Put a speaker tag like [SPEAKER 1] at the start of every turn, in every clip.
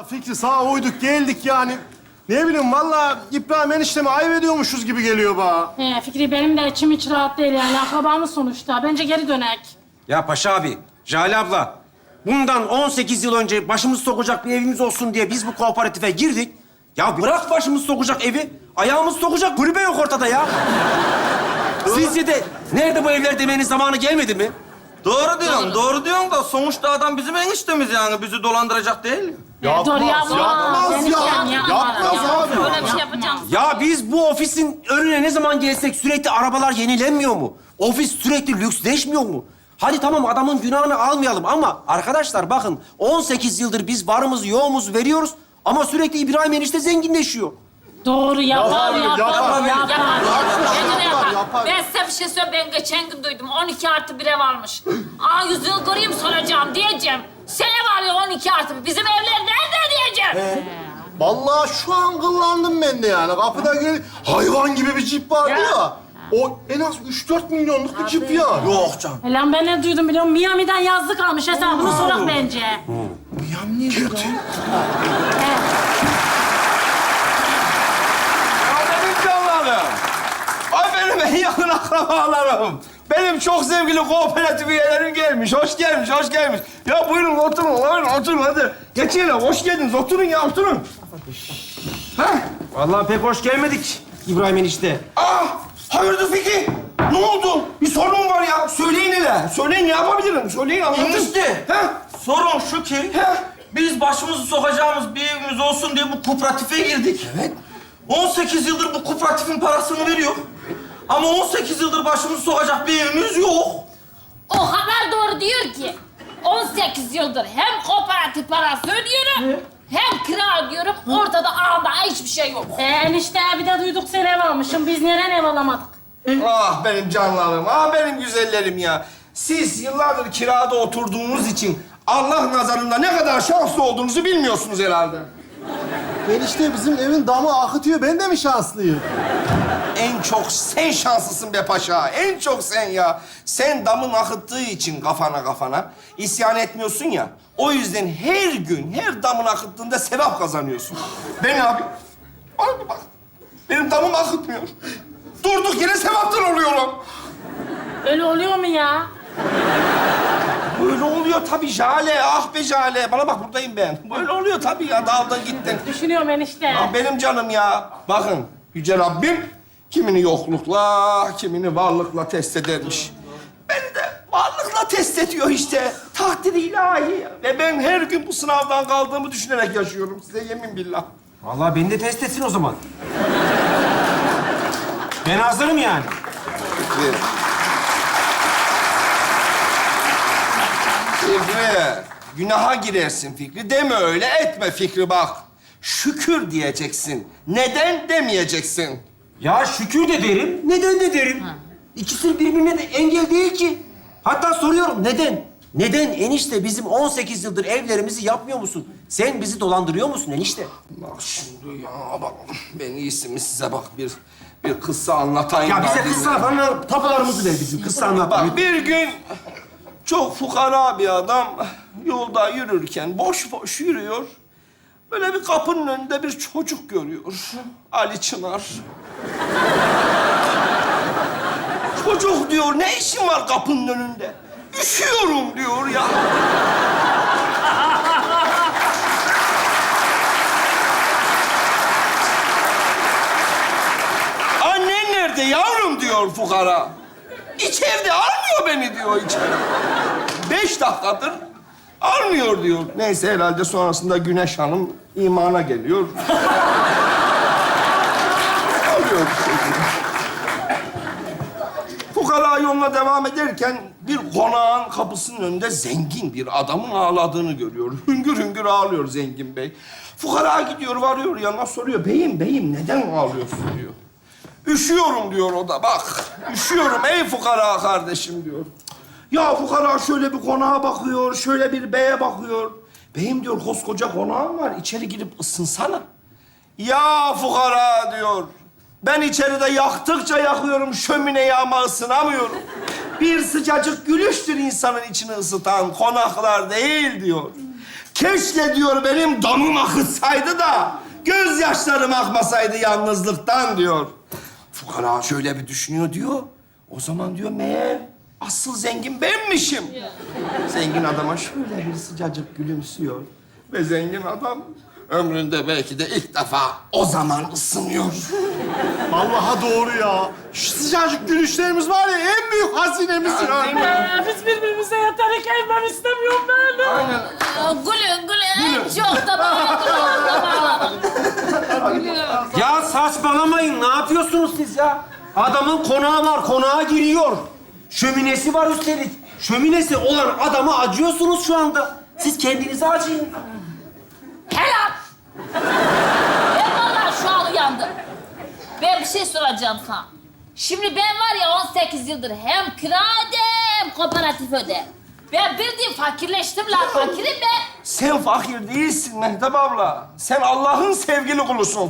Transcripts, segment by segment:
[SPEAKER 1] Fikri sağa uyduk geldik yani. Ne bileyim vallahi İbrahim eniştemi ayıp ediyormuşuz gibi geliyor bana.
[SPEAKER 2] Fikri benim de içim hiç rahat değil yani. Akrabamız sonuçta. Bence geri dönek.
[SPEAKER 3] Ya Paşa abi, Jale abla. Bundan 18 yıl önce başımız sokacak bir evimiz olsun diye biz bu kooperatife girdik. Ya bırak başımız sokacak evi, ayağımız sokacak kulübe yok ortada ya. Sizce de nerede bu evler demenin zamanı gelmedi mi?
[SPEAKER 4] Doğru diyorsun da sonuçta adam bizim eniştemiz yani. Bizi dolandıracak değil.
[SPEAKER 2] Dur yapma.
[SPEAKER 1] Yapmaz
[SPEAKER 2] Eniştem
[SPEAKER 1] ya. Yapmaz abi.
[SPEAKER 5] Öyle bir şey yapacağım.
[SPEAKER 3] Ya biz bu ofisin önüne ne zaman gelsek sürekli arabalar yenilenmiyor mu? Ofis sürekli lüksleşmiyor mu? Hadi tamam adamın günahını almayalım ama arkadaşlar bakın 18 yıldır biz varımızı yoğumuzu veriyoruz ama sürekli İbrahim enişte zenginleşiyor.
[SPEAKER 2] Doğru yapar.
[SPEAKER 5] Bence de yapar.
[SPEAKER 1] Yapar.
[SPEAKER 5] Ben size bir şey söyleyeyim. Ben geçen gün duydum. 12+1 ev almış. Yüzüğü göreyim soracağım diyeceğim. Sen ev alıyor 12+1. Bizim evler nerede diyeceğim.
[SPEAKER 1] Vallahi şu an kıllandım ben de yani. Kapıda hayvan gibi bir cip vardı ya. O en az 3-4 milyonluk bir cip ya.
[SPEAKER 4] Yok canım.
[SPEAKER 2] Lan ben ne duydum biliyor musun? Miami'den yazlık almış. Hesabını sorak bence.
[SPEAKER 4] Benim canlarım. Ay benim en yakın akrabalarım. Benim çok sevgili kooperatif üyelerim gelmiş. Hoş gelmiş. Ya buyurun oturun hadi. Geçin hoş geldiniz. Oturun ya, oturun.
[SPEAKER 3] Vallahi pek hoş gelmedik İbrahim enişte.
[SPEAKER 4] Hayırdır Fikri? Ne oldu? Bir sorun mu var ya? Söyleyin hele. Söyleyin, ne yapabilirim? Söyleyin, anlatın.
[SPEAKER 6] Enişte.
[SPEAKER 4] He?
[SPEAKER 6] Sorun şu ki, biz başımızı sokacağımız bir evimiz olsun diye bu kooperatife girdik.
[SPEAKER 4] Evet.
[SPEAKER 6] 18 yıldır bu kooperatifin parasını veriyor. Ama 18 yıldır başımızı sokacak bir evimiz yok.
[SPEAKER 5] O kadar doğru diyor ki 18 yıldır hem kooperatif parası ödüyorum hem kira ödüyorum. Ortada ağda hiçbir şey yok.
[SPEAKER 2] Enişte bir de duyduk sen ev almışsın. Biz neden ev alamadık?
[SPEAKER 4] Ah benim canlarım, benim güzellerim ya. Siz yıllardır kirada oturduğunuz için Allah nazarında ne kadar şanslı olduğunuzu bilmiyorsunuz herhalde.
[SPEAKER 1] Enişte bizim evin damı akıtıyor. Ben de mi şanslıyım?
[SPEAKER 4] En çok sen şanslısın be paşa. En çok sen ya. Sen damın akıttığı için kafana isyan etmiyorsun ya. O yüzden her gün, her damın akıttığında sevap kazanıyorsun. Ben abi, bak. Benim damım akıtmıyor. Durduk yere sevaptan oluyorum.
[SPEAKER 2] Öyle oluyor mu ya?
[SPEAKER 4] Böyle oluyor tabii Jale. Ah be Jale. Bana bak buradayım ben. Böyle oluyor tabii ya. Dağıldan gittin.
[SPEAKER 2] Düşünüyorum enişte.
[SPEAKER 4] Ah benim canım ya. Bakın Yüce Rabbim kimini yoklukla, kimini varlıkla test edermiş. Beni de varlıkla test ediyor işte. Takdir-i ilahi. Ve ben her gün bu sınavdan kaldığımı düşünerek yaşıyorum. Size yemin billah.
[SPEAKER 3] Vallahi beni de test etsin o zaman. Ben hazırım yani.
[SPEAKER 4] Fikri, günaha girersin Fikri. Deme öyle, etme Fikri bak. Şükür diyeceksin. Neden demeyeceksin?
[SPEAKER 3] Ya şükür de derim, neden de derim. İkisi birbirine de engel değil ki. Hatta soruyorum neden? Neden enişte bizim 18 yıldır evlerimizi yapmıyor musun? Sen bizi dolandırıyor musun enişte?
[SPEAKER 4] Bak şimdi ya bak. Ben iyisi mi size bak bir kıssa anlatayım.
[SPEAKER 3] Ya bize
[SPEAKER 4] bak.
[SPEAKER 3] kıssa falan tapularımızı ver bizim. Kıssa anlat.
[SPEAKER 4] Bak bir gün çok fukara bir adam yolda yürürken boş boş yürüyor. Böyle bir kapının önünde bir çocuk görüyor. Ali Çınar. Çocuk diyor, ne işin var kapının önünde? Üşüyorum diyor ya. Annen nerede yavrum diyor fukara. İçeride, almıyor beni diyor içeri. 5 dakikadır almıyor diyor. Neyse herhalde sonrasında Güneş Hanım imana geliyor. Alıyor bir şekilde. Fukara yoluna devam ederken bir konağın kapısının önünde zengin bir adamın ağladığını görüyor. Hüngür hüngür ağlıyor zengin bey. Fukara gidiyor, varıyor yanına soruyor. Beyim neden ağlıyorsun diyor. Üşüyorum diyor o da. Bak, üşüyorum ey fukara kardeşim diyor. Ya fukara şöyle bir konağa bakıyor, şöyle bir beye bakıyor. Beyim diyor, koskoca konağım var, içeri girip ısınsana. Ya fukara diyor, ben içeride yaktıkça yakıyorum, şömineyi ama ısınamıyorum. Bir sıcacık gülüştür insanın içini ısıtan, konaklar değil diyor. Keşke diyor benim damım akıtsaydı da gözyaşlarım akmasaydı yalnızlıktan diyor. Fukara şöyle bir düşünüyor diyor. O zaman diyor meğer asıl zengin benmişim. Zengin adama şöyle bir sıcacık gülümsüyor. Ve zengin adam ömründe belki de ilk defa o zaman ısınıyor.
[SPEAKER 1] Vallahi doğru ya. Şu sıcacık gülüşlerimiz var ya en büyük hazinemiz ya.
[SPEAKER 2] Biz birbirimize yatarak evlen istemiyorum ben.
[SPEAKER 4] Aynen.
[SPEAKER 5] Gülün gülün. Çok da bağladım.
[SPEAKER 3] Ya saçmalamayın. Ne yapıyorsunuz siz ya? Adamın konağı var. Konağa giriyor. Şöminesi var üstelik. Şöminesi olan adama acıyorsunuz şu anda. Siz kendinize acıyın.
[SPEAKER 5] Helal. Ben vallahi şu an uyandım. Ben bir şey soracağım sana. Şimdi ben var ya 18 yıldır hem kira öde hem kooperatif öde. Ben bildiğin fakirleştim lan. Fakirim ben.
[SPEAKER 4] Sen fakir değilsin Mehtap abla. Sen Allah'ın sevgili kulusun.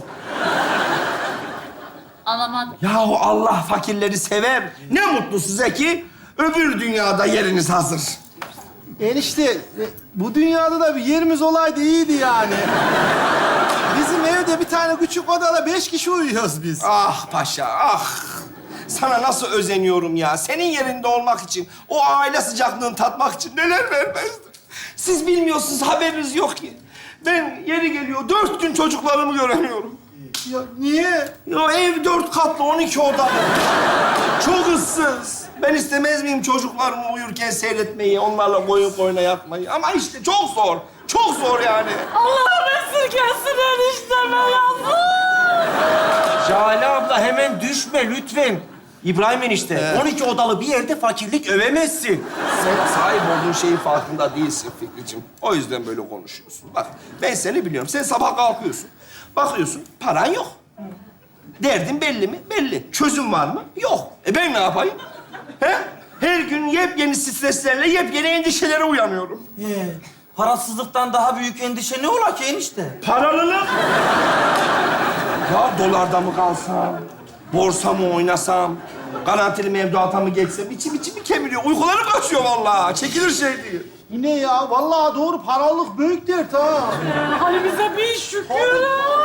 [SPEAKER 5] Anlamadım.
[SPEAKER 4] Yahu Allah fakirleri sever. Ne mutlu size ki öbür dünyada yeriniz hazır.
[SPEAKER 1] Enişte bu dünyada da bir yerimiz olaydı iyiydi yani. Bizim evde bir tane küçük odada 5 kişi uyuyoruz biz.
[SPEAKER 4] Ah paşa, ah. Sana nasıl özeniyorum ya. Senin yerinde olmak için, o aile sıcaklığını tatmak için neler vermezdim. Siz bilmiyorsunuz, haberiniz yok ki. Ben yeri geliyor 4 gün çocuklarımı göremiyorum.
[SPEAKER 1] Ya niye?
[SPEAKER 4] Ya ev 4 katlı, 12 odalı. Çok ıssız. Ben istemez miyim çocuklarımı uyurken seyretmeyi, onlarla boyun boyuna yatmayı? Ama işte çok zor. Çok zor yani.
[SPEAKER 2] Allah'ım esirgesin enişteme yazık.
[SPEAKER 3] Jale abla hemen düşme lütfen. İbrahim enişte, 12 odalı bir yerde fakirlik övemezsin.
[SPEAKER 4] Sen sahip olduğun şeyin farkında değilsin Fikriciğim. O yüzden böyle konuşuyorsun. Bak ben seni biliyorum. Sen sabah kalkıyorsun. Bakıyorsun paran yok. Derdin belli mi? Belli. Çözüm var mı? Yok. Ben ne yapayım? He? Her gün yepyeni streslerle yepyeni endişelere uyanıyorum.
[SPEAKER 6] Parasızlıktan daha büyük endişe ne ola ki enişte?
[SPEAKER 4] Paralılık. Ya dolarda mı kalsam? Borsa mı oynasam? Garantili mevduata mı geçsem? İçimi kemiriyor. Uykularım kaçıyor vallahi. Çekilir şey değil.
[SPEAKER 1] Yine ya vallahi doğru paralık büyük dert ha.
[SPEAKER 2] Halimize bir şükür.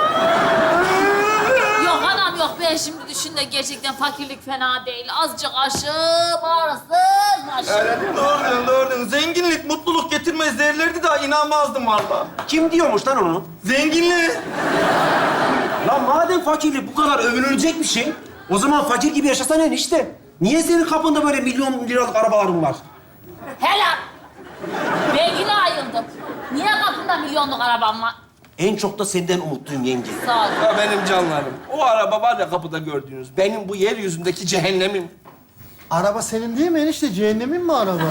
[SPEAKER 5] Yok anam yok. Ben şimdi düşün de gerçekten fakirlik fena değil. Azıcık aşım, ağrısız başım.
[SPEAKER 4] Öyle değil mi?
[SPEAKER 6] Doğru diyorsun, doğru diyorsun. Zenginlik mutluluk getirmez derlerdi de inanmazdım vallahi.
[SPEAKER 3] Kim diyormuş lan onu?
[SPEAKER 6] Zenginlik.
[SPEAKER 3] Lan madem fakirlik bu kadar övünülecek bir şey, o zaman fakir gibi yaşasana enişte. Niye senin kapında böyle milyon liralık arabaların var?
[SPEAKER 5] Helal. Ben yine ayıldım. Niye kapında milyonluk arabam var?
[SPEAKER 3] En çok da senden umutluyum yenge.
[SPEAKER 5] Sağ ol.
[SPEAKER 4] Ya benim canlarım. O araba var ya kapıda gördüğünüz. Benim bu yeryüzündeki cehennemim.
[SPEAKER 1] Araba senin değil mi enişte? Cehennemin mi araba?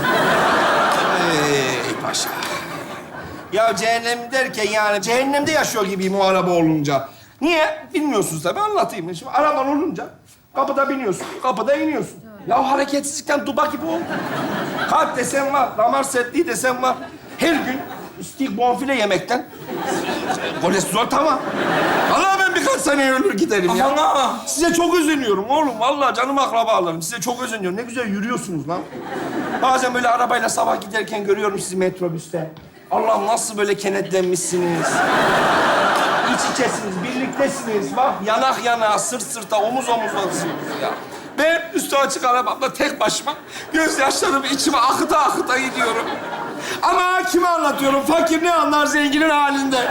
[SPEAKER 4] Ey paşa. Ya cehennem derken yani cehennemde yaşıyor gibiyim o araba olunca. Niye? Bilmiyorsunuz tabii anlatayım. Şimdi araban olunca kapıda biniyorsun, kapıda iniyorsun. Ya hareketsizlikten duba gibi oldu. Kalp desem var, damar sertliği desem var. Her gün steak bonfile yemekten kolesterol tamam. Vallahi ben birkaç sene ölür giderim ya.
[SPEAKER 6] Aman ha.
[SPEAKER 4] Size çok özeniyorum oğlum. Vallahi canım akrabalarım. Size çok özeniyorum. Ne güzel yürüyorsunuz lan. Bazen böyle arabayla sabah giderken görüyorum sizi metrobüste. Allah'ım nasıl böyle kenetlenmişsiniz. İç içesiniz, birliktesiniz. Bak yanak yana, sırt sırta, omuz omuzlasınız ya. Ben üstü açık arabamda tek başıma gözyaşlarımı içime akıta akıta gidiyorum. Ama kime anlatıyorum? Fakir ne anlar zenginin halinde?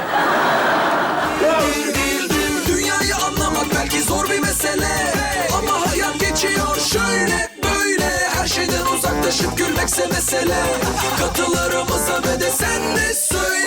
[SPEAKER 7] Dünyayı anlamak belki zor bir mesele, ama hayat geçiyor şöyle böyle. Her şeyden uzaklaşıp gülmekse mesele. Katılarımıza ve de sen de söyle.